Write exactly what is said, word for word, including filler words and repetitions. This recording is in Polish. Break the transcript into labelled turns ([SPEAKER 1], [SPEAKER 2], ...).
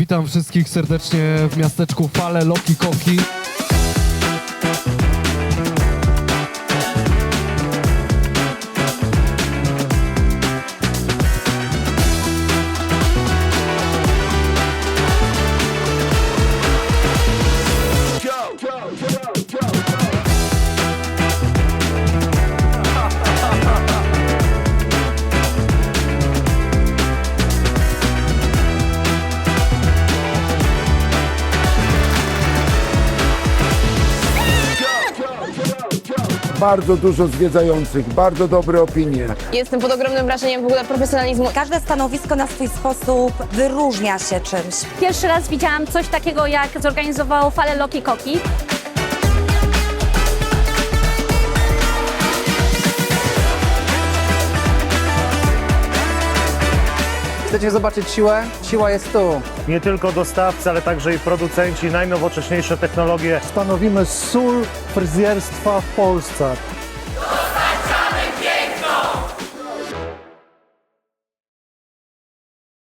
[SPEAKER 1] Witam wszystkich serdecznie w miasteczku Fale Loki Koki.
[SPEAKER 2] Bardzo dużo zwiedzających, bardzo dobre opinie.
[SPEAKER 3] Jestem pod ogromnym wrażeniem w ogóle profesjonalizmu.
[SPEAKER 4] Każde stanowisko na swój sposób wyróżnia się czymś.
[SPEAKER 5] Pierwszy raz widziałam coś takiego, jak zorganizowało Fale Loki Koki.
[SPEAKER 6] Chcecie zobaczyć siłę? Siła jest tu.
[SPEAKER 7] Nie tylko dostawcy, ale także i producenci, najnowocześniejsze technologie.
[SPEAKER 8] Stanowimy sól fryzjerstwa w Polsce.